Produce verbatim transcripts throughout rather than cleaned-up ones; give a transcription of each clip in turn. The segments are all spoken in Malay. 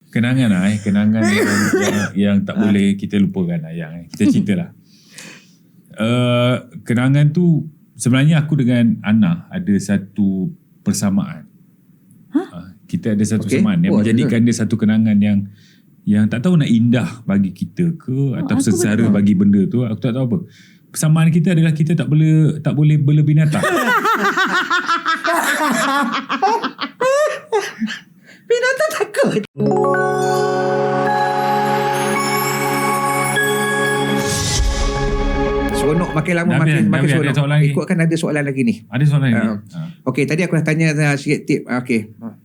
Kenangan lah eh. Kenangan yang, yang, yang tak boleh kita lupakan lah. Yang, eh. Kita cerita lah. Uh, kenangan tu sebenarnya aku dengan Ana ada satu persamaan. Huh? Uh, kita ada satu Okay. persamaan yang Oh, menjadikan dia satu kenangan yang yang tak tahu nak indah bagi kita ke Oh, atau aku sengsara betul. bagi benda tu. Aku tak tahu apa. Persamaan kita adalah kita tak boleh tak boleh bela binatang. Binatang takut. Seronok makin lama Dah makin habis, dah makin habis. Ada seronok. soalan lagi? Ikutkan ada soalan lagi ni. Ada soalan ni? Uh, Ha. Okey, tadi aku dah tanya uh, sikit tip. Uh, Okey.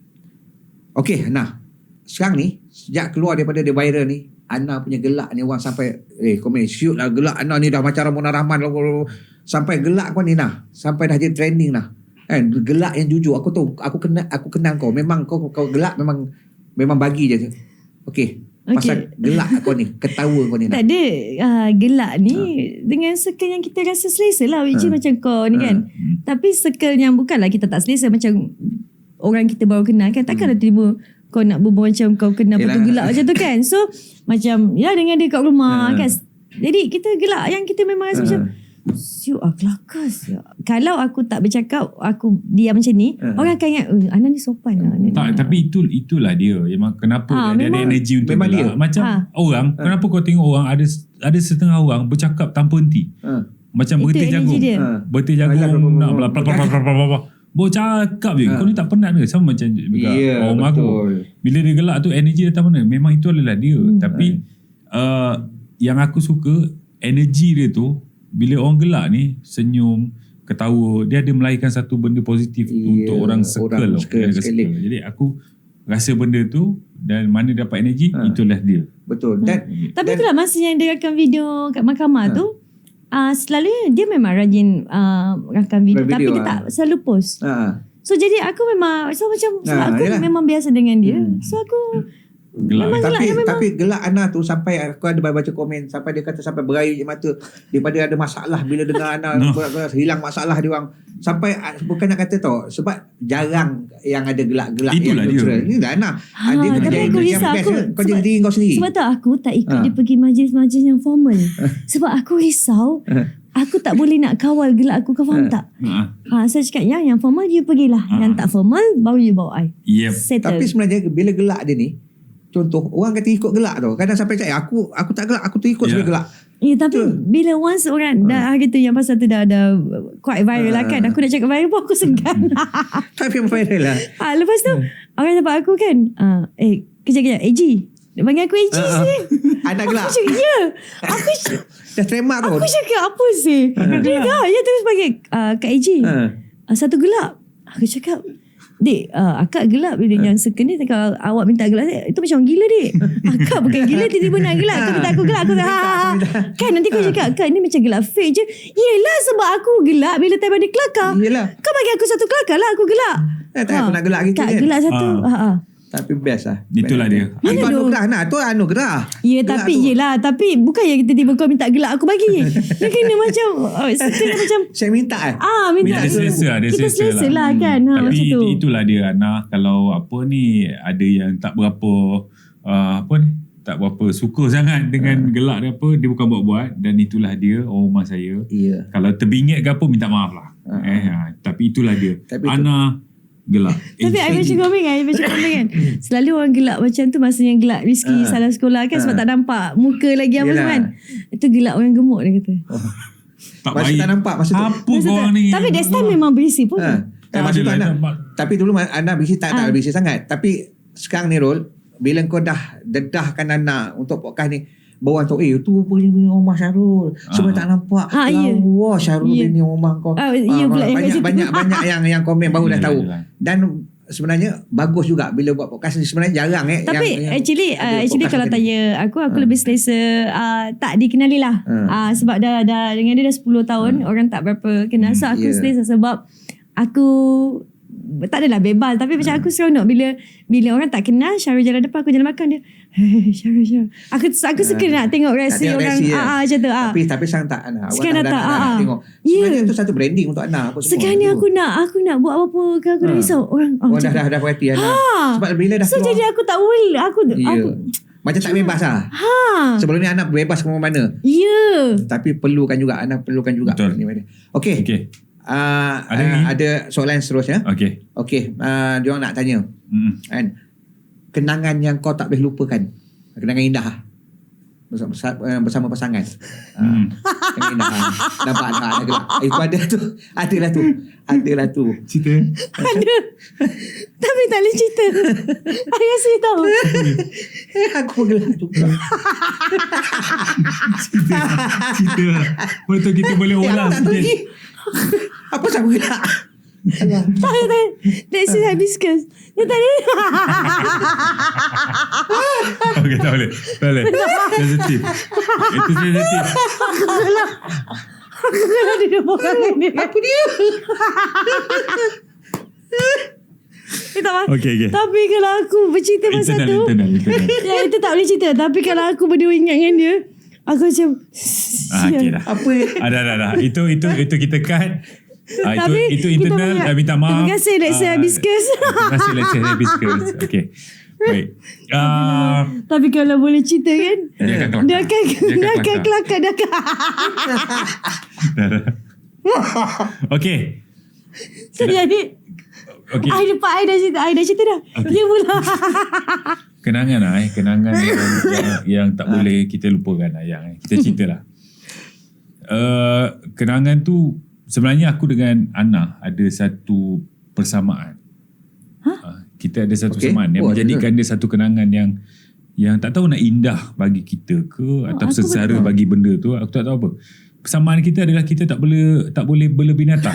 Okey, nah. Sekarang ni, sejak keluar daripada dia viral ni, Ana punya gelak ni orang sampai, eh komen, shoot lah gelak Ana ni dah macam Ramona Rahman. Sampai gelak kau ni nah. Sampai dah jadi trending nah. Kan, gelak yang jujur. Aku tahu, aku kenal, aku kenal kau. Memang kau kau gelak memang memang bagi je. Okey. Pasal Okey. gelak kau ni, ketawa kau ni nah. Tak ada uh, gelak ni dengan circle yang kita rasa selesa lah, which is macam kau ni kan. Tapi circle yang bukanlah kita tak selesa, macam orang kita baru kenal kan, takkanlah tiba kau nak berbual macam kau kenal Yelah. betul gelak macam tu kan. So macam ya dengan dia kat rumah Ha. kan. Jadi kita gelak yang kita memang rasa Ha. macam siuk ah kelakas. Kalau aku tak bercakap, aku diam macam ni, Ha. orang akan ingat eh, Ana ni sopan lah. Tak, tapi itu itulah dia. Memang kenapa Ha, dia, dia ada memang- energi untuk memang gelak. dia. Macam Ha. orang, kenapa kau tengok orang ada ada setengah orang bercakap tanpa henti. Ha. Macam Itu berhenti energi jagung. dia. Ha. Berhenti Alah, jagung blah, blah, nak blah, bla bla bla bla bla bla. Bawa cakap je. Ha. Kau ni tak penat ke? Sama macam juga Ya, orang aku. betul. Bila dia gelak tu energi datang mana? Memang itu adalah dia. Hmm. Tapi uh, yang aku suka energi dia tu bila orang gelak ni senyum, ketawa, dia ada melahirkan satu benda positif Ya, untuk orang circle. orang tau. circle, Yang dekat sekeliling. circle. Jadi aku rasa benda tu dan mana dapat energi, Ha. itulah dia. Betul. Dan Tapi dan- itulah masa yang dia rakam video kat mahkamah Ha. tu, uh, selalunya dia memang rajin uh, rakam video, Video, tapi dia ah. tak selalu post. ha. So jadi aku memang so macam sebab Ah, aku yelah. memang biasa dengan dia. Hmm. So aku Gelak. Memang Tapi gelak, memang. tapi gelak Ana tu sampai aku ada baca komen sampai dia kata sampai berair je mata daripada ada masalah bila dengar Ana No. ber- hilang masalah dia orang sampai ah, bukan nak kata tau sebab jarang yang ada gelak-gelak Itulah yang dia. natural. Ini dah Ana. Ha, dia tapi kerja aku yang risau, best aku- kau jadi sebab- diri kau sendiri. sebab tu aku tak ikut Ah. dia pergi majlis-majlis yang formal. Sebab aku risau aku tak boleh nak kawal gelak aku, kau faham tak? Ha. Ha, saya cakap yang yang formal you pergilah. Ah. Yang tak formal baru you bawa I. Yep. Settle. Tapi sebenarnya bila gelak dia ni contoh orang kata ikut gelak tau. Kadang sampai cakap eh, aku aku tak gelak aku tu ikut Ya. sebab gelak. Ya, tapi Betul. bila once orang dah hari tu yang pasal tu dah dah quite viral lah kan. Ah. Aku nak cakap viral pun aku segan. Tapi viral lah. ha, lepas tu orang nampak aku kan. Ah, eh kejap-kejap. A G. Dia panggil aku A G Ah, ah. sih. Anak gelak. Aku cakap ya. Aku cakap, Dah trademark tu. aku cakap apa sih? Dia dah. Ya terus panggil uh, Kak A G. Ha. Uh, satu gelap. Aku cakap, Dek, uh, akak gelap bila yang second ni kalau awak minta gelap itu macam orang gila dek. Akak bukan gila tiba-tiba nak gelap. Kau minta aku gelap. Aku cakap, ha, ha, ha. Kan nanti kau cakap, Kak ni macam gelap fake je. Yelah sebab aku gelap bila time ada kelakar. Yelah. Kau bagi aku satu kelakar lah aku gelap. Eh, tak aku nak gelak gitu Kak kan. gelap satu. Ah. Ha. ha. Tapi best lah. Itulah dia. Mana Itu tu? anugerah nak. Tu anugerah. Ya Gelak tapi tu. yelah. Tapi bukan yang tiba-tiba kau minta gelap aku bagi. Dia kena macam, oh, setengah macam, Saya minta eh. ah minta Dia selesa lah, dia kita selesa selesa lah, lah. kan. Ha, Tapi macam tu. itu- itulah dia Ana. Kalau apa ni ada yang tak berapa uh, apa ni tak berapa suka sangat dengan gelak dia apa, dia bukan buat-buat dan itulah dia orang rumah saya. Ya. Kalau terbingit ke apa minta maaf lah. Uh-huh. Eh, ha, tapi itulah dia. Tapi Ana gelak. Tapi I macam komen kan, I macam komen kan. Selalu orang gelak macam tu masa yang gelak Rizky Ah. salah sekolah kan sebab Ah. tak nampak muka lagi apa Yelah. kan. Itu gelak orang gemuk dia kata. tak Masa baik. tak nampak masa tu. Apa Masa kau tak- ni? Tapi that time memang berisi pun. Ha. Tak Tak masa tu adalah, anak. nampak. Tapi dulu anak bising tak tak Ah. bising sangat. Tapi sekarang ni Rol, bila kau dah dedahkan anak untuk podcast ni, bawa tu eh tu punya bini rumah Syarul. Semua Ah. tak nampak. Ah, ya. Wah Syarul Ya. bini rumah kau. Ah, ya pula yang kat banyak situ. banyak banyak yang yang komen baru dah Yelah, tahu. yelah. Dan sebenarnya bagus juga bila buat podcast ni, sebenarnya jarang eh Tapi yang, yang actually ada uh, actually podcast kalau macam ni. tanya aku aku Ah. lebih selesa uh, tak dikenali lah. Ah. Uh, sebab dah dah dengan dia dah sepuluh tahun orang tak berapa kenal. So aku Yeah. selesa sebab aku tak adalah bebas. Tapi macam aku seronok bila bila orang tak kenal, Syarul jalan depan, aku jalan belakang dia. Hey, Syarul, Syarul. Aku aku suka nak tengok reaksi tengok orang. reaksi, Ah, ah, macam tu. Ah. Tapi tapi sekarang tak Ana. Awak Sekarang dah, tak, dah, dah, ah, dah ah. tengok. Ya. Sebenarnya tu satu branding untuk Ana apa semua. Sekarang ni tu. aku nak aku nak buat apa-apa ke aku dah Ha. risau orang. Oh, Oh, dah, macam dah, dah perhati Ana. Ha. Sebab bila dah So keluar. jadi aku tak boleh. Aku Ya. aku Macam tak bebas lah. ha. Sebelum ni anak bebas ke mana-mana. Ya. Tapi perlukan juga. Anak perlukan juga. Betul. Okey. Okey. Uh, Ada uh, ni? ada soalan seterusnya. Okey. Okey. Uh, dia orang nak tanya. Hmm. Kan? Kenangan yang kau tak boleh lupakan. Kenangan indah lah. Bersama, bersama pasangan. Hmm. Uh, kenangan indah. lah. Nampak tak? Ada gelap. Eh, itu ada tu. Adalah tu. Adalah tu. Cerita. Ada. Tapi tak boleh cerita. I rasa tahu. Aku bergelak juga. Cerita. Cerita lah. Betul kita boleh Eh, ulang aku tak tahu sikit. lagi. Apa saya bergelak? Alah. Tak ada. That's it hibiscus. Dia tak ada. Okey, tak boleh. Tak boleh. Sensitif. Itu sensitif. Aku kalau dia orang ni. Apa dia? Eh, tak apa. Okey, okey. Tapi kalau aku bercerita pasal Internal, tu, internal, internal. ya itu tak boleh cerita. Tapi kalau aku berdua ingat dengan dia, aku macam Ah, okey dah. Apa? Ah, dah, dah, dah. Itu, itu, itu kita cut. Ah, itu, Tapi itu kita internal. banyak- Ah, minta maaf. Terima kasih, Lecture Ah, Hibiscus. Terima kasih, Lecture Hibiscus. Okey. Baik. Ah, Tapi kalau boleh cerita kan, dia akan kelakar. dia akan dia akan kelakar. Dia akan Dah, dah. Okey. So jadi Okey. I dapat I dah cerita I dah cerita dah. Okey. Dia pula. Kenangan lah eh. Kenangan yang, yang, yang tak boleh kita lupakan lah. Yang, eh. Kita cerita lah. Uh, kenangan tu sebenarnya aku dengan Ana ada satu persamaan. Huh? Uh, kita ada satu Okey. persamaan yang Oh, menjadikan dia satu kenangan yang yang tak tahu nak indah bagi kita ke atau aku sengsara betul. bagi benda tu, aku tak tahu apa. Persamaan kita adalah kita tak boleh tak boleh bela binatang.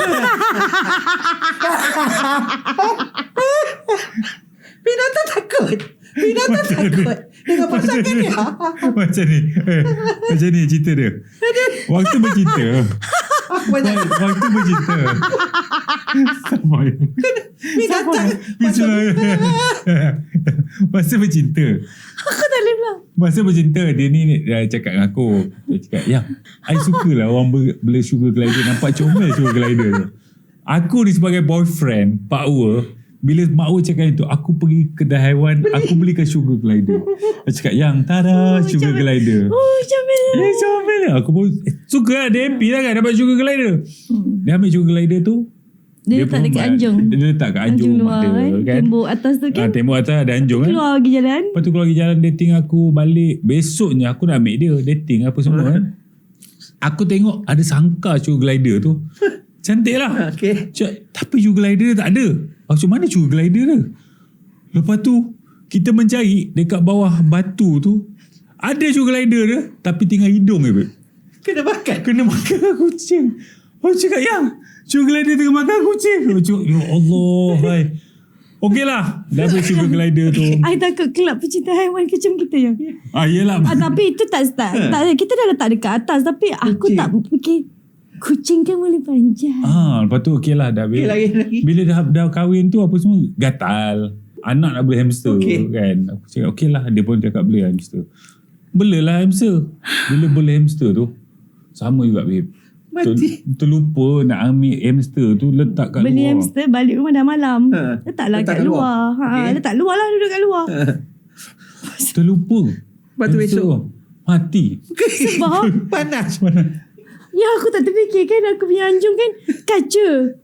Binatang takut. Binatang takut. Dengan pasangan dia. Macam ni. Eh, macam ni cerita dia. Waktu bercinta. Banyak. Waktu bercinta. Sama. Binatang. Masa bercinta. Aku tak boleh pula. Masa bercinta dia ni dia cakap dengan aku. Dia cakap, "Ya, I sukalah orang ber- bela sugar glider. Nampak comel sugar glider tu." Aku ni sebagai boyfriend, Pak Ua, bila Mak Ua cakap itu, aku pergi kedai haiwan, aku belikan sugar glider. Dia cakap, "Yang tada, sugar macam- glider." Oh macam mana? Eh, comel lah. Aku pun eh, suka lah. Dia happy lah kan dapat sugar glider. Dia ambil sugar glider tu. Dia letak pun dekat ma- anjung. Dia letak kat anjung, Anjung luar ada, kan. kan. Tembok atas tu Ah, kan. tembok atas ada anjung kan. Keluar pergi jalan. Lepas tu keluar pergi jalan dating aku balik. Besoknya aku nak ambil dia dating apa semua kan. Aku tengok ada sangkar sugar glider tu. Cantik lah. Okey. Cak, tapi sugar glider tak ada. Macam mana sugar glider dia? Lepas tu kita mencari dekat bawah batu tu. Ada sugar glider dia tapi tinggal hidung je. Babe. Kena makan. Kena makan kucing. Aku cakap, "Yang sugar glider tengah makan kucing." Aku cakap, "Ya Allah, hai." Okey lah. Dah habis sugar glider tu. I takut kelab pecinta haiwan macam kita yang. Ah, yelah. Ah, tapi itu tak, tak, tak kita dah letak dekat atas tapi aku Kucing. tak fikir kucing kan boleh panjat. Ah, lepas tu okey lah dah habis. Okey, lagi, lagi. Bila dah dah kahwin tu apa semua gatal. Anak nak beli hamster Okey. kan. Aku cakap okey lah, dia pun cakap beli hamster. Belilah hamster. Bila beli hamster tu sama juga babe. Mati. Ter, terlupa nak ambil hamster tu letak kat Beli luar. hamster balik rumah dah malam. Ha. Letaklah Letak kat kat luar. luar. Ha, Okey. letak luar lah, duduk kat luar. Terlupa. Lepas tu Hamster besok. mati. Sebab Panas. ya aku tak terfikir kan aku punya anjung kan kaca.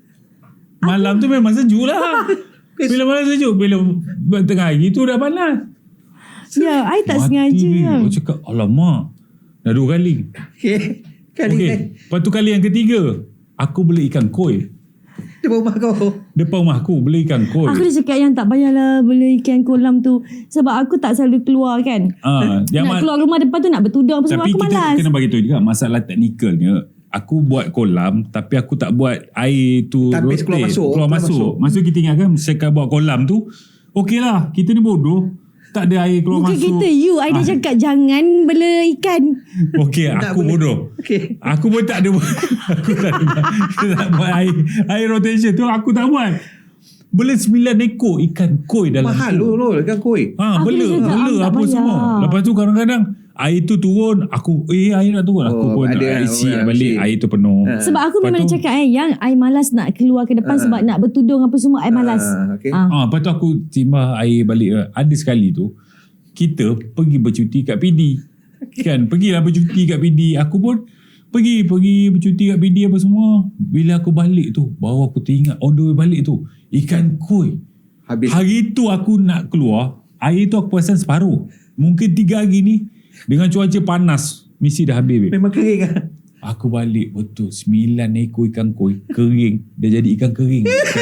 Malam tu memang sejuk lah. Bila malam sejuk, bila tengah hari tu dah panas. Ya, I tak Mati sengaja. ni. Kan. Aku cakap, alamak. Dah dua kali. Okey. Kali Okey. kan. Lepas tu kali yang ketiga, aku beli ikan koi. Depan rumah kau. Depan rumah aku beli ikan koi. Aku dah cakap yang tak payahlah beli ikan kolam tu. Sebab aku tak selalu keluar kan. Ah, yang Nak ma- keluar rumah depan tu nak bertudung apa semua. tapi Aku kita malas. kena bagi tahu juga masalah teknikalnya. Aku buat kolam tapi aku tak buat air tu Tapis rotate. keluar masuk, Keluar keluar masuk. masuk. Maksud kita ingatkan sekarang buat kolam tu, okey lah. Kita ni bodoh. Tak ada air keluar Bukan masuk. kita, you. I dah Ah, cakap jangan bela ikan. okey, Tak aku boleh. bodoh. Okey. Aku pun tak ada buat. Aku tak ada buat, tak buat air, air rotation tu aku tak buat. Bela sembilan ekor ikan koi dalam Mahal tu. lu lu ikan koi. Ha, Aku bela, dah cakap, bela am tak apa bayar. semua. Lepas tu kadang-kadang air tu turun, aku eh air nak turun. Aku Oh, pun ada nak isi orang balik isi. air tu penuh. Ha. Sebab aku Lepas memang tu- dah cakap eh, yang I malas nak keluar ke depan sebab nak bertudung apa semua, I malas. Ah, okay. Ah. Ah, lepas tu aku timbah air balik. Ada sekali tu kita pergi bercuti kat P D. Kan, pergilah bercuti kat P D. Aku pun pergi pergi bercuti kat P D apa semua. Bila aku balik tu, baru aku teringat on the way balik tu, ikan koi. Habis. Hari tu aku nak keluar, air tu aku perasan separuh. Mungkin tiga hari ni dengan cuaca panas mesti dah habis. Babe. Memang kering ah. Aku balik betul sembilan ekor ikan koi kering. Dia jadi ikan kering.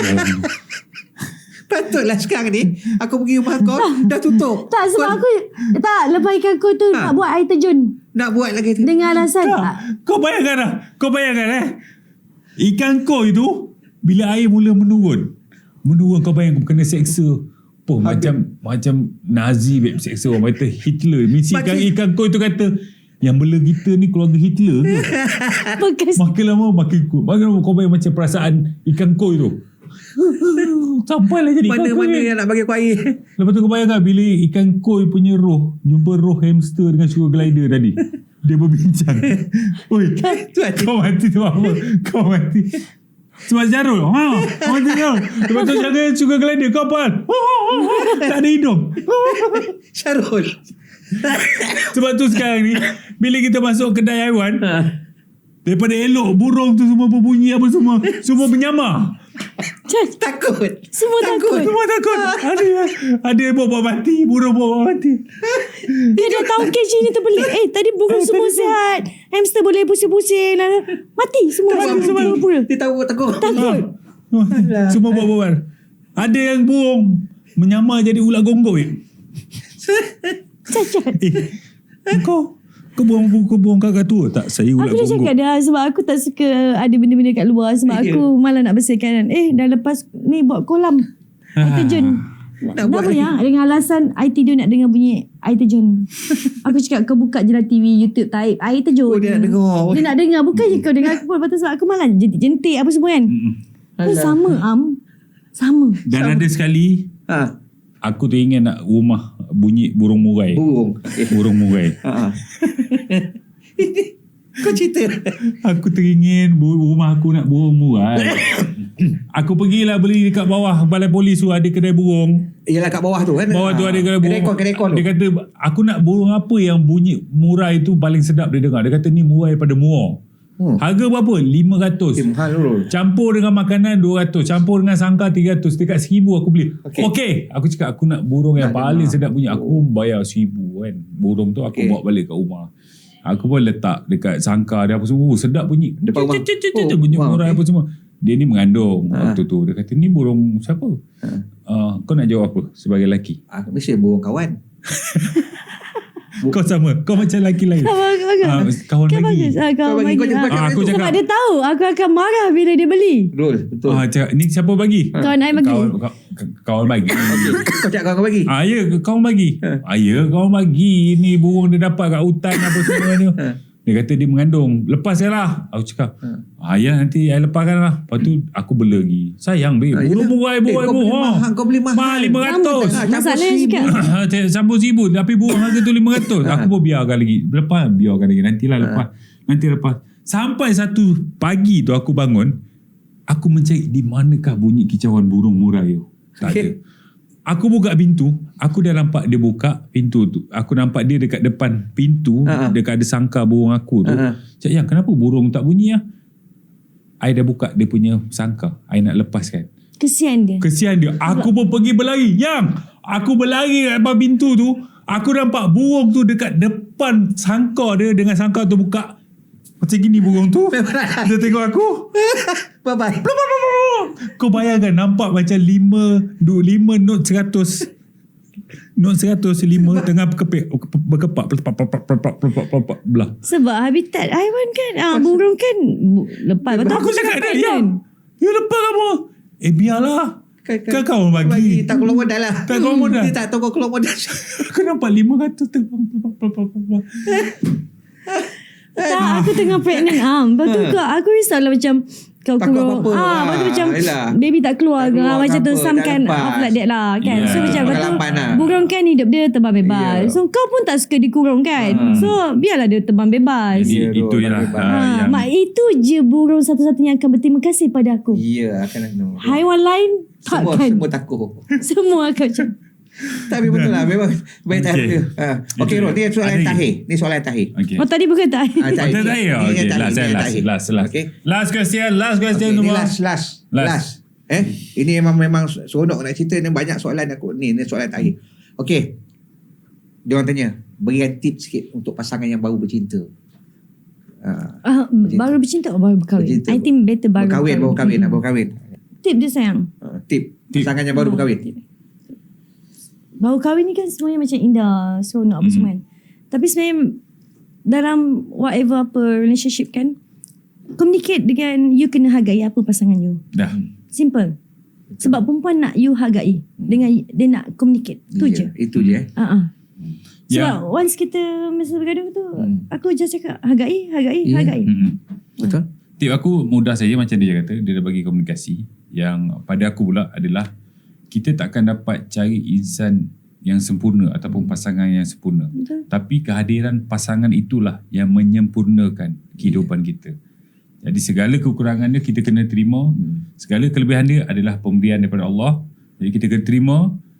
Patutlah sekarang ni aku pergi rumah kau dah tutup. Tak, sebab Kau aku tak lepas ikan koi tu Ha. nak buat air terjun nak buat lagi tu. dengan alasan Kau, kau bayangkan lah. Kau bayangkan eh. Ikan koi tu bila air mula menurun. Menurun kau bayangkan kena seksa. Poh, macam macam Nazi babe, seksa orang kata Hitler. Mesti ikan, Macam- ikan koi tu kata yang bela kita ni keluarga Hitler ke? bekas. Makin lama makin kuat. Makin lama kau bayang macam perasaan ikan koi tu. Sampailah jadi ikan koi. Mana-mana yang nak bagi aku air. Lepas tu kau bayangkan bila ikan koi punya roh jumpa roh hamster dengan sugar glider tadi. Dia berbincang. Oi, kau mati tu apa? Kau mati. Sebab Jarul. Ha, kau mati Jarul. Lepas tu jaga sugar glider. Kau apa? Tak ada hidung. Syarul. Sebab tu sekarang ni bila kita masuk kedai haiwan, Ha. daripada elok burung tu semua berbunyi apa semua, semua menyamar. Takut. Semua takut. Semua takut. Ada ada bawa mati, burung bawa mati. Dia dah tahu cage ni terbelit. Eh tadi burung Eh, semua tadi- sihat. Hamster boleh pusing-pusing lah. Mati semua. Semua Semua mati. pura. Dia tahu takut. Takut. Ha. Semua bawa-bawa. Ada yang burung menyamar jadi ulat gonggoi. Cacat. Eh, kau kau buang kau buang kakak tua tak? Saya ulat Aku dah cakap gonggoi. dah sebab aku tak suka ada benda-benda kat luar sebab Ya. aku malah nak bersihkan. Eh dah lepas ni buat kolam air terjun. Nak Nak buat apa lagi. ya? Dengan alasan I tidur nak dengar bunyi air terjun. Aku cakap kau buka je lah T V, YouTube type air terjun. Oh, dia nak dengar. Dia nak dengar. Bukan je kau dengar aku pun. Lepas tu sebab aku malah jentik-jentik apa semua kan. Mm-mm. Pun sama Am. Sama. Dan ada sekali Ha. aku teringat nak rumah bunyi burung murai. Burung. Eh. Burung murai. Ha. Kau cerita. Aku teringin bu- rumah aku nak burung murai. Aku pergilah beli dekat bawah balai polis tu ada kedai burung. Yalah kat bawah tu kan. Bawah tu ada kedai burung. Kedai kon, kedai kon tu. Dia kata aku nak burung apa yang bunyi murai tu paling sedap dia dengar. Dia kata ni murai pada muar. Hmm. Harga berapa? lima ratus. Eh, mahal dulu. Campur dengan makanan dua ratus. Campur dengan sangkar tiga ratus. Dekat seribu aku beli. Okey. Okey. Okay. Aku cakap aku nak burung yang Nak paling dengar. sedap bunyi. Aku bayar seribu kan. Burung tu aku Okey. bawa balik kat rumah. Aku pun letak dekat sangkar dia apa semua. Oh, sedap bunyi. Depan rumah. Cik, cik, cik, Oh, bunyi wow, murai okey. apa semua. Dia ni mengandung Ha. waktu tu. Dia kata ni burung siapa? Ha. Uh, kau nak jawab apa sebagai lelaki? Ah, mesti burung kawan. Kau sama. Kau macam lelaki lain. Kawan, kawan. Ah, kawan Kan bagi. bagus. Ah, Kau kawan bagi, bagi. kau jangan Ah. pakai Ah, aku tu. cakap- Sebab dia tahu aku akan marah bila dia beli. Betul. Betul. Ah, cakap, ni siapa bagi? Kawan I bagi. Kawan, kawan, kawan bagi. Kau cakap kau bagi. Ah, ya, kawan bagi. Ah, ya, kawan bagi. Ni burung dia dapat kat hutan apa semua ni. Dia kata dia mengandung. Lepas je lah. Aku cakap, ah, ya nanti I lepaskan lah. Lepas tu aku bela lagi. Sayang, babe. Ah, Burung yelah. murai, Eh, buai, kau beli buai. mahal, kau beli mahal. Mahal lima ratus. Ah, campur Masalahnya seribu. cakap, Campur seribu. Tapi burung harga tu lima ratus. Aku pun biarkan lagi. Lepas, biarkan lagi. Nantilah lepas. Nanti lepas. Sampai satu pagi tu aku bangun. Aku mencari di manakah bunyi kicauan burung murai tu. Tak ada. Okay. Aku buka pintu. Aku dah nampak dia buka pintu tu. Aku nampak dia dekat depan pintu. Ha-ha. Dekat ada sangkar burung aku tu. Ha-ha. Cak, yang kenapa burung tak bunyi lah? I dah buka dia punya sangkar. I nak lepaskan. kesian dia. Kesian dia. Aku pun pergi berlari. Yang aku berlari kat depan pintu tu. Aku nampak burung tu dekat depan sangkar dia. Dengan sangkar tu buka. Macam gini burung tu. Dia tengok aku. Bye-bye. Kau bayangkan nampak macam lima, du, lima not seratus. Not seratus lima tengah berkepik, berkepak. Belah. Sebab habitat haiwan kan. Ah, burung kan bu- lepas. Lepas tu Aku cakap dia, ya. kan. Ya lepas kamu. Eh biarlah. Kan, Kan kau bagi. Tak keluar modal lah. Tak keluar modal. Dia tak tahu kau keluar modal. Aku nampak lima ratus terbang. Tak, aku tengah pregnant am. Lepas tu kau, aku risau lah macam kau Takut kurung. apa-apa. Ah, Ah, lepas tu macam yelah. baby tak keluar. Tak keluar Ah, macam ke tu apa, some tak kind lepas. of like that lah kan. Yeah. So macam lepas tu Pengalaman lah. burung kan hidup dia terbang bebas. Yeah. So kau pun tak suka dikurung kan. Ah. So biarlah dia terbang bebas. Jadi Ya, itu tu, ialah bagi uh, Ah, yang mak itu je burung satu-satunya yang akan berterima kasih pada aku. Ya, akan no. Haiwan lain Semua, takkan. semua takut. Semua akan macam Tapi betul lah, memang baik tak Okay. ada. Ha. Okey, Rod, ni soalan Ada yang tahir. Ni soalan yang tahir. okay. oh tadi bukan tak. Ah, Oh, tak tak ya. Ni Okay, yang tahir, last, ni eh, yang last, tahir. last, last. Okey. Last question, last question Okay, ni semua. last, last, Last. last. Eh, ini memang memang seronok nak cerita ni, banyak soalan aku ni, ni soalan tahir. Okey. Dia orang tanya, berikan tips sikit untuk pasangan yang baru bercinta. Ha. Ah, baru bercinta atau baru berkahwin? Bercinta. I think better baru Berkahwin, baru kahwin, Mm. baru kahwin. Tip dia sayang. Ha, tip. Tip. Pasangan yang baru Ah, berkahwin. tip. Baru kahwin ni kan semuanya macam indah, seronok apa Hmm. semua kan. Tapi sebenarnya dalam whatever apa relationship kan, communicate dengan you kena hargai apa pasangan you. Dah. Simple. Sebab perempuan nak you hargai dengan dia nak communicate. Tu Ya, je. Itu je eh. Ha ah. Ya. Sebab once kita masa bergaduh tu, Hmm. aku just cakap hargai, hargai, Ya. hargai. Mm-mm. Betul? Tip aku mudah saja macam dia kata, dia dah bagi komunikasi. Yang pada aku pula adalah kita takkan dapat cari insan yang sempurna ataupun pasangan yang sempurna. Betul. Tapi kehadiran pasangan itulah yang menyempurnakan kehidupan kita. Jadi segala kekurangan dia kita kena terima. Hmm. Segala kelebihan dia adalah pemberian daripada Allah. Jadi kita kena terima,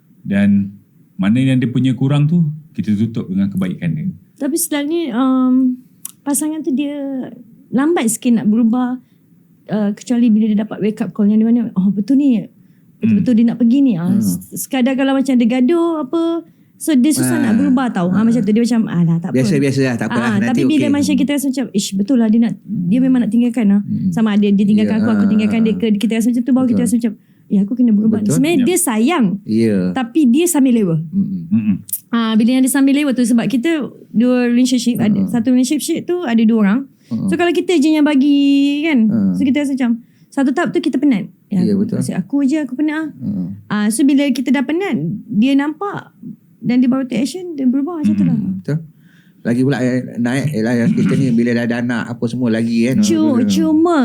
dan mana yang dia punya kurang tu kita tutup dengan kebaikan dia. Tapi selalunya um, pasangan tu dia lambat sikit nak berubah, uh, kecuali bila dia dapat wake up call yang di mana oh betul ni, betul-betul dia nak pergi ni. Ah, Hmm. sekadar kalau macam ada gaduh apa, so dia susah Ah. nak berubah tau. Ah, macam tu dia macam alah tak apa. Biasa-biasa lah, tak apalah. Ah, Nanti tapi bila okey. macam kita rasa macam ish betul lah dia nak, dia memang nak tinggalkan lah. Hmm. Sama ada dia tinggalkan Ya, aku, aku ah, tinggalkan dia ke, kita rasa macam tu, baru kita Betul. rasa macam ya aku kena berubah. Betul. Sebenarnya Ya. dia sayang, Ya. tapi dia sambil lewa. Mm-mm. Mm-mm. Ah, bila yang dia sambil lewat tu, sebab kita dua relationship, ada Hmm. satu relationship tu ada dua orang. Hmm. So kalau kita je yang bagi kan, Hmm. so kita rasa macam satu tahap tu kita penat. Ya, aku, betul. asyik aku je aku penat. Mm. Ah, so bila kita dah penat, dia nampak dan dia baru take action, dia berubah macam tu lah. Betul. Lagi pula eh, naik eh, lah kita ni bila dah ada anak apa semua lagi kan. Cuma, cuma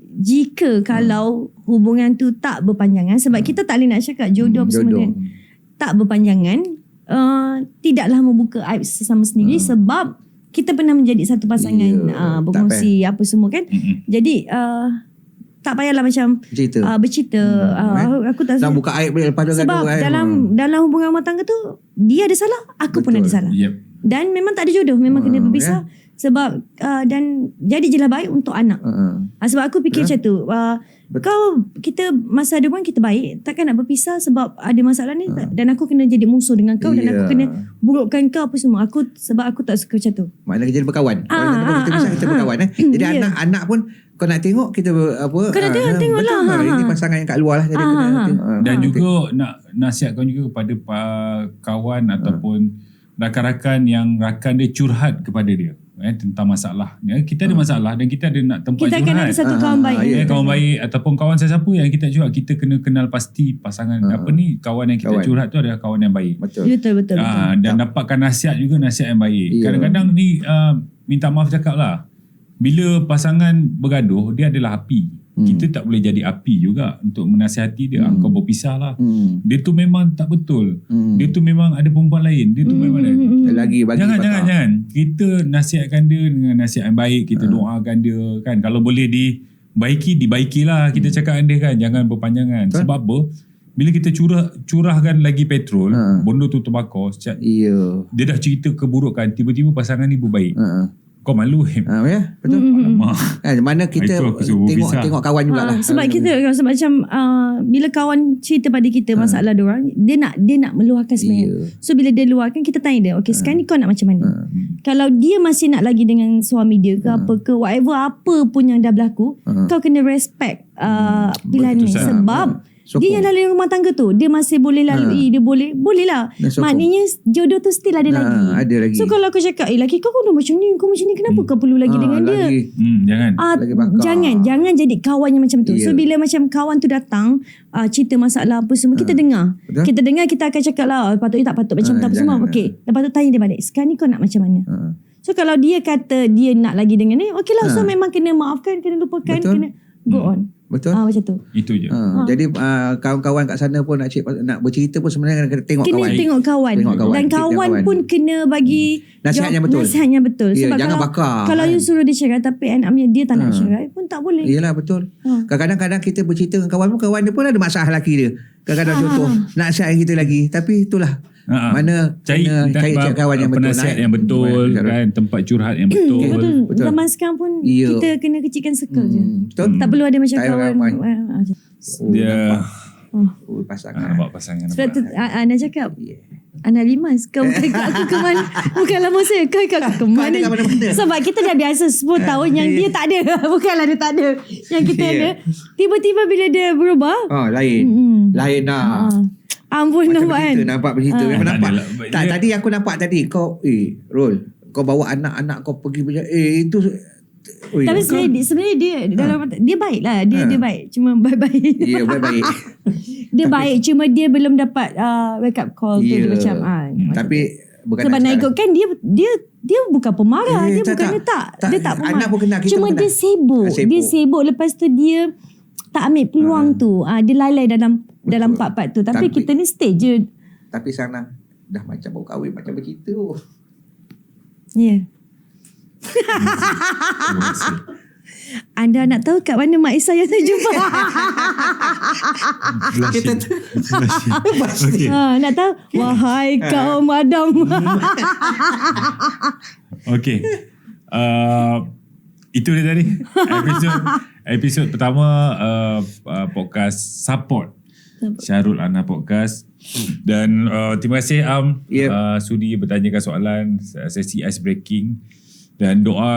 jika kalau hubungan tu tak berpanjangan, sebab kita tak boleh nak cakap jodoh apa semua kan, tak berpanjangan, uh, tidaklah membuka aib sesama sendiri, sebab kita pernah menjadi satu pasangan, Ya, uh, tak berkongsi apa semua kan. Mm-mm. Jadi uh, tak payahlah macam cerita. uh, bercerita. Hmm, uh, eh. aku, aku tak Nak buka aib boleh lepas tu sebab gaduh kan. dalam dalam hubungan rumah tangga tu dia ada salah, aku pun Betul. ada salah. Yep. Dan memang tak ada jodoh, memang Hmm, kena berpisah. Sebab uh, dan jadi je lah baik untuk anak. Uh-uh. Ah, sebab aku fikir macam tu. Uh, kau, kita masa ada hubungan kita baik, takkan nak berpisah sebab ada masalah ni. Ha. Dan aku kena jadi musuh dengan kau, dan Ya. aku kena burukkan kau apa semua. Aku sebab aku tak suka macam tu. Maknanya kita jadi berkawan. Ah, Kalau kita ah, kita bisa ah, kita ah. berkawan eh. Jadi Ya. anak-anak pun kau nak tengok kita ber- apa. Kau nak ah, tengok, ah, tengok betul. lah, ha, Ini ha. pasangan yang kat luar lah. Jadi Ah, kena ha, ha. tengok. Ah, Dan ah, juga nak nasihatkan juga kepada pa- kawan ataupun rakan-rakan yang rakan dia curhat kepada dia eh, tentang masalah. Ya, kita ada masalah dan kita ada nak tempat Kita akan curhat. ada satu Ah, kawan ah, baik. ya, Eh, kawan baik ataupun kawan sesiapa yang kita curhat, kita kena kenal pasti pasangan Ah. apa ni, kawan yang kita Kawan. curhat tu adalah kawan yang baik. Betul. Betul, betul, betul. Ah, dan dapatkan nasihat juga, nasihat yang baik. Ya. Kadang-kadang ni uh, minta maaf cakap lah, bila pasangan bergaduh dia adalah api. Hmm. Kita tak boleh jadi api juga untuk menasihati dia. Hmm. Hmm. Kau berpisah lah. Hmm. Dia tu memang tak betul. Hmm. Dia tu memang ada perempuan lain. Dia tu Hmm, memang ada. hmm, hmm. Lagi bagi Jangan, bakar. jangan, jangan. Kita nasihatkan dia dengan nasihat yang baik. Kita Hmm. doakan dia kan. Kalau boleh dibaiki, dibaikilah. Kita cakap dengan dia kan. Jangan berpanjangan. Betul. Sebab apa? Bila kita curah curahkan lagi petrol, Hmm. benda tu terbakar. Sejak Ya. dia dah cerita keburukan, tiba-tiba pasangan ni berbaik. Ha. Kau malu Him. Ha, ya, betul. Hmm, hmm, hmm. Alamak. Eh, mana kita Itu aku suruh tengok pisah. tengok kawan jugalah. Ah, sebab kita sebab macam uh, bila kawan cerita pada kita masalah dia orang, dia nak dia nak meluahkan sebenarnya. Ya. So bila dia luahkan, kita tanya dia, okey sekarang ni kau nak macam mana? Hmm. Kalau dia masih nak lagi dengan suami dia ke apa ke, whatever apa pun yang dah berlaku, Hmm. kau kena respect uh, pilihan ni. Keputusan. Sebab Sokong. dia yang lalui rumah tangga tu, dia masih boleh lalui, dia boleh boleh lah. Dan sokong. Maknanya jodoh tu still ada Nah, lagi. ada lagi. So kalau aku cakap, eh laki kau kau dah macam ni, kau macam ni, kenapa kau perlu lagi Ah, dengan dia? lagi. Hmm, jangan. Ah, Lagi bakar. jangan jangan jadi kawan yang macam tu. Ya. So bila macam kawan tu datang uh, cerita masalah apa semua, kita dengar. Betul. Kita dengar, kita akan cakap lah, oh, patutnya tak patut macam Ah, tu apa jangan, semua. Okey. Lepas tu tanya dia balik, sekarang ni kau nak macam mana? Ha. So kalau dia kata dia nak lagi dengan ni, okey lah. So Ah. memang kena maafkan, kena lupakan, Betul. kena go on. Betul? Ah macam tu. Itu je. Ha, jadi uh, kawan-kawan kat sana pun nak cik, nak bercerita pun sebenarnya kena tengok Kena kawan. tengok kawan. Tengok kawan. Dan Tengok kawan kawan. pun kena bagi Nasihat jawab- yang betul. Nasihat yang betul. Ya, Sebab jangan kalau, bakar, kalau kan? you suruh dia cerai tapi anak punya dia tak nak Ha. cerai pun tak boleh. Yelah betul. Ha. Kadang-kadang kita bercerita dengan kawan pun, kawan dia pun ada masalah lelaki dia. Kadang-kadang Ha, contoh nak nasihat kita lagi, tapi itulah. Ha-ha. Mana cari, kena cari tak- kawan yang betul. penasihat Naik. yang betul Betul. kan, tempat curhat yang betul. Betul. Betul. Zaman sekarang pun Ya. kita kena kecilkan circle je. Hmm, betul. Tak perlu ada macam Tak payah kawan. ramai. Ah, macam- Oh, Dia nampak. Oh. Oh, ah, pasangan. nampak pasangan. Sebab tu nampak. ah, Ana cakap, Yeah. Ana Limas, kau bukan ikut aku ke mana? Bukan lama saya, kau ikut aku ke mana? kat mana-mana. Sebab kita dah biasa sepuluh tahun yang dia tak ada. Bukanlah dia tak ada. Yang kita Yeah. ada. Tiba-tiba bila dia berubah, Oh, lain. Mm-mm. Lain lah. ah, ampun Macam nampak kan? bercerita, nampak bercerita. Ah. Memang Tak nampak. adalah. Tak, Dia- tadi aku nampak tadi kau, eh, Rol, kau bawa anak-anak kau pergi macam, eh, itu... Ui, Tapi kau- sebenarnya, dia- sebenarnya dia dalam dia baik lah. Dia, Ha. dia baik. Cuma baik-baik. Ya, baik-baik. Dia baik. Cuma dia belum dapat uh, wake up call tu. Ya. Dia macam, ah, macam Tapi tu. bukan Sebab nak cakap- ikutkan dia dia dia bukan pemarah. Eh, dia tak, bukannya tak. tak. Tak, Dia tak anak pemarah. pun kena, kita Cuma pun kena. dia sibuk. Ah, sibuk. Dia sibuk. Lepas tu dia tak ambil peluang Ah. tu. Ah, dia lalai dalam dalam part-part tu. Tapi, Tapi- kita ni stay je. Tapi sana dah macam baru kahwin, macam bercerita. Ya. Yeah. Anda nak tahu kat mana Mak Isa yang saya jumpa? Kita tu. Pasti. ha, nak tahu? Wahai kau madam. Okay. Uh, itu dia tadi. Episod episod pertama uh, uh, podcast support Syarul Ana Podcast. Dan uh, terima kasih Am Yep. uh, sudi bertanyakan soalan, sesi ice breaking, dan doa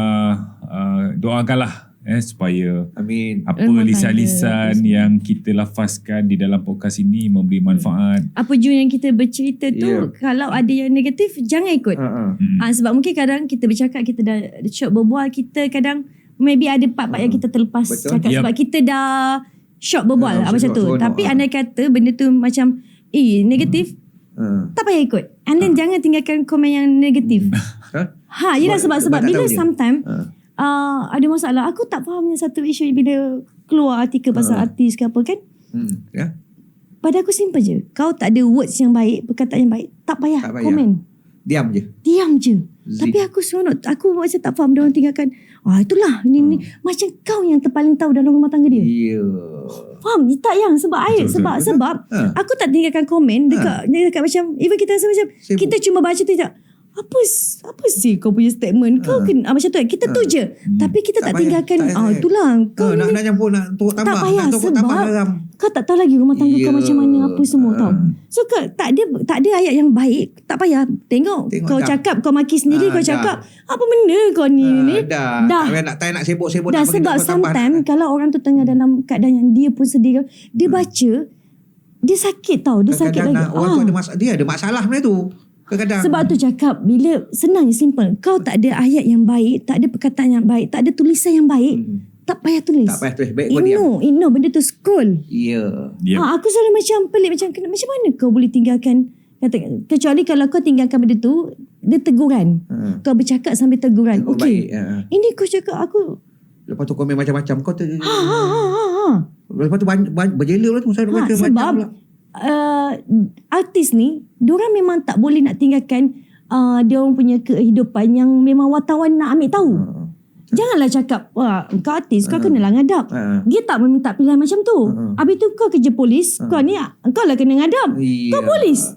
uh, doakanlah eh supaya Amin. apa Rumah lisan-lisan tangga. yang kita lafazkan di dalam podcast ini memberi manfaat. Apa jua yang kita bercerita tu, Ya. kalau ada yang negatif, jangan ikut. Ha-ha. Hmm. Ah, sebab mungkin kadang kita bercakap, kita dah short berbual, kita kadang maybe ada part-part yang kita terlepas Betul. cakap Yep. sebab kita dah short berbual Ah, lah, macam seronok, tu. seronok, Tapi ah. andai kata benda tu macam eh negatif, Ha. tak payah ikut. And then jangan tinggalkan komen yang negatif. Ha? Ha, yelah Sebab- sebab sebab sebab tak bila tahu je. sometimes Ha. uh, ada masalah, aku tak faham yang satu isu bila keluar artikel pasal Ha. artis ke apa kan. Hmm. Ya. Pada aku simple je. Kau tak ada words yang baik, perkataan yang baik, tak payah, Tak payah. komen. Diam je. Diam je. Zik. Tapi aku seronok. Aku macam tak faham dia orang tinggalkan. Ah itulah ni, ni. Macam kau yang terpaling tahu dalam rumah tangga dia. Ya. Faham? Tak yang sebab ayat. betul, Sebab betul. sebab Ha. aku tak tinggalkan komen dekat, dekat macam even kita rasa macam Sibuk. kita cuma baca tu je. Apa s- apa sih kau punya statement? Kau Ha. kena ah, macam tu kan. Kita tu je. Tapi kita tak, Tak payah, tinggalkan tak payah. ah itulah kau Ha, nak, ni nak campur, nak turut tambah. tak payah nak turut tambah sebab garam. kau tak tahu lagi rumah tangga kau Ya. macam mana apa semua Ha. tau. So kau tak ada tak ada ayat yang baik, tak payah. Tengok, Tengok kau dah. cakap kau maki sendiri, Ha, kau dah. cakap apa benda kau ni Ha, ni. dah. Dah. Tak payah nak, tak payah nak sibuk-sibuk. Dah nak bagi sebab tambah- tambah. sometimes kalau orang tu tengah dalam keadaan yang dia pun sedih, dia Hmm. baca, dia sakit tau, dia sakit Kadang-kadang lagi. nak- orang tu Ah. ada masalah. Dia ada masalah benda tu. Kadang-kadang. Sebab tu cakap bila senang je simple. Kau tak ada ayat yang baik, tak ada perkataan yang baik, tak ada tulisan yang baik, Hmm. tak payah tulis. Tak payah tulis. Baik kau diam. Ignore, ignore benda tu, scroll. Ya. Yep. Ha, aku selalu macam pelik macam kena- macam mana kau boleh tinggalkan kata, kecuali kalau kau tinggalkan benda tu dia teguran. Ha. Kau bercakap sambil teguran. Oh, Okey. baik. Ha. Ini kau cakap aku Lepas tu komen macam-macam. Kau ter... ha ha ha ha. ha. Lepas tu banyak, banyak, berjela lah tu. Saya Ha, baca sebab macam pula. uh, artis ni diorang memang tak boleh nak tinggalkan uh, dia orang punya kehidupan yang memang wartawan nak ambil tahu. Ha. Janganlah cakap, wah kau artis, kau kenalah ngadap. Ha. Dia tak meminta pilihan macam tu. Ha. Habis tu kau kerja polis, kau ni kau lah kena ngadap. Ya. Kau polis.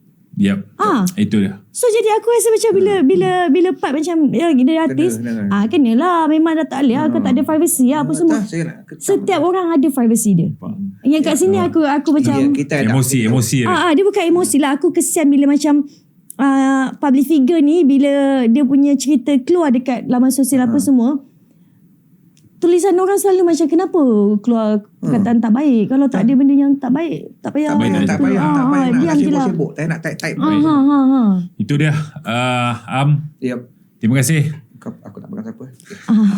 Yep. Ah. Itu dia. So jadi aku rasa macam bila bila bila part macam ya dia artis, kena. ah kenalah memang dah tak boleh ah, kau tak ada privacy lah apa semua. Tak, saya nak ketam. Setiap orang ada privacy dia. Yang kat sini aku aku macam Ya, kita ada- Emosi, emosi dia. ah, ah dia bukan emosi lah, aku kesian bila macam uh, public figure ni bila dia punya cerita keluar dekat laman sosial apa semua. Tulisan orang selalu macam kenapa keluar perkataan tak baik. Kalau tak ada benda yang tak baik, tak payah. Tak payah, tak tak payah, Ah, tak payah ah, nak diam je lah. sibuk-sibuk. Tak nak type-type. Ha ha ha ha. Itu dia. Uh, Am, Yep. terima kasih. Kau, aku tak pegang siapa. Ah.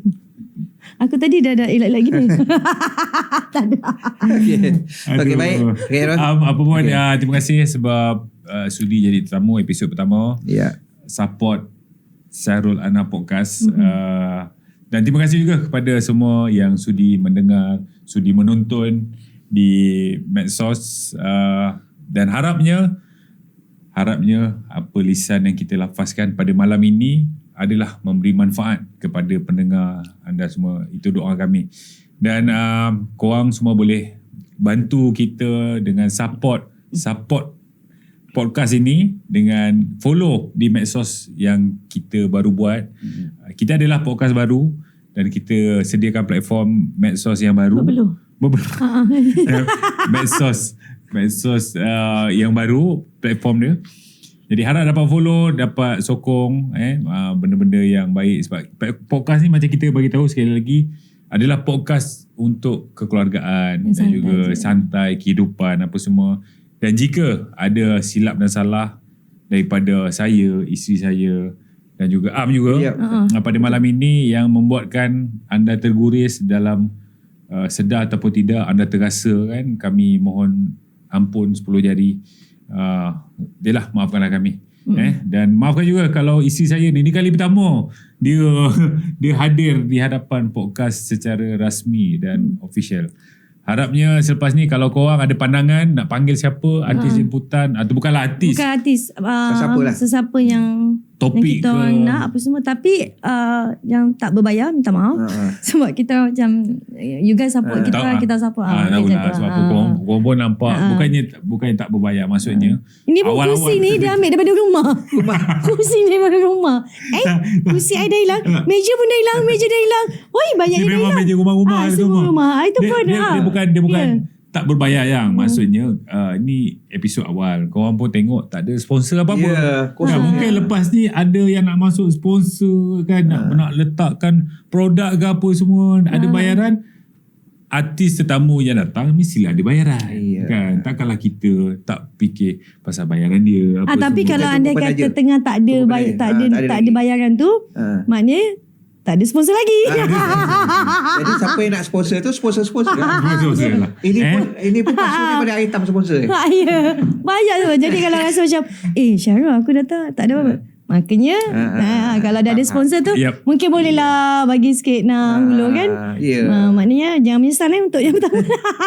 Aku tadi dah ada elak-elak gini. Tak ada. Okay. Okay, Aduh. baik. Okay, Ron. Um, apa pun, okay. uh, terima kasih sebab uh, sudi jadi tetamu episod pertama. Ya. Support Syarul Ana Podcast. Mm-hmm. Uh, Dan terima kasih juga kepada semua yang sudi mendengar, sudi menonton di medsos. Uh, dan harapnya, harapnya apa lisan yang kita lafazkan pada malam ini adalah memberi manfaat kepada pendengar anda semua. Itu doa kami. Dan uh, korang semua boleh bantu kita dengan support support podcast ini dengan follow di medsos yang kita baru buat. Hmm. Kita adalah podcast baru dan kita sediakan platform medsos yang baru. Belum. Belum. medsos medsos uh, yang baru, platform dia. Jadi harap dapat follow, dapat sokong eh uh, benda-benda yang baik, sebab podcast ni macam kita bagi tahu sekali lagi adalah podcast untuk kekeluargaan dan juga je. santai kehidupan apa semua. Dan jika ada silap dan salah daripada saya, isteri saya dan juga Am juga yep. uh-huh. pada malam ini yang membuatkan anda terguris dalam uh, sedar ataupun tidak, anda terasa kan, kami mohon ampun sepuluh jari. Uh, Yalah, maafkanlah kami. Hmm. Eh dan maafkan juga kalau isteri saya ni ni kali pertama dia dia hadir di hadapan podcast secara rasmi dan hmm. official. Harapnya selepas ni kalau korang ada pandangan nak panggil siapa artis jemputan atau bukanlah artis. Bukan artis. Uh, sesiapa lah. Sesiapa yang topik yang kita ke nak apa semua, tapi uh, yang tak berbayar minta maaf. Uh-huh. Sebab kita macam you guys support uh, kita, tak, kita support. Ah, tahu lah sebab uh, korang, korang pun nampak uh, bukannya bukannya tak berbayar, maksudnya. Uh. Ini pun kursi ni dia ambil daripada rumah. Kursi ni daripada rumah. Eh, kursi I dah hilang, meja pun dah hilang, meja dah hilang. Oi, banyak yang dah hilang. Meja rumah-rumah ah, semua rumah. Ah, itu dia, pun dia, ah. dia bukan dia bukan yeah. tak berbayar yang hmm. maksudnya uh, ni episod awal. Korang pun tengok tak ada sponsor apa-apa. Yeah, kan, mungkin lepas ni ada yang nak masuk sponsor kan, nak, ha. nak letakkan produk ke apa semua, ha. ada bayaran. Artis tetamu yang datang mestilah ada bayaran. Yeah. Kan? Takkanlah kita tak fikir pasal bayaran dia apa ah, tapi semua. kalau anda kata aja. tengah tak ada bay- tak ada ha, tak ada, tak ada bayaran tu, ha. maknanya tak ada sponsor lagi. Jadi siapa yang nak sponsor tu sponsor-sponsor lah. Sponsor lah. Ini eh? pun ini pun pasal daripada item sponsor. Ha, ya. Banyak tu. Jadi kalau rasa macam eh Syarul aku datang tak ada apa-apa. Makanya ha, kalau dah ada sponsor tu yep. mungkin bolehlah bagi sikit nak hulu kan. Yeah. Ha, maknanya jangan menyesal eh untuk yang pertama.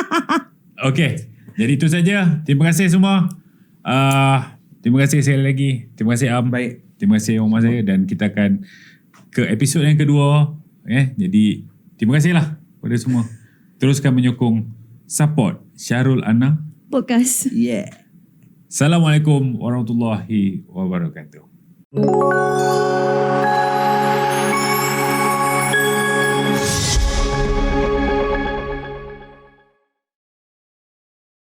Okey. Jadi itu saja. Terima kasih semua. Uh, terima kasih sekali lagi. Terima kasih Am. Baik. Terima kasih rumah saya dan kita akan ke episod yang kedua. Eh, jadi terima kasihlah kepada semua. Teruskan menyokong support Syarul Ana Podcast. Yeah. Assalamualaikum warahmatullahi wabarakatuh.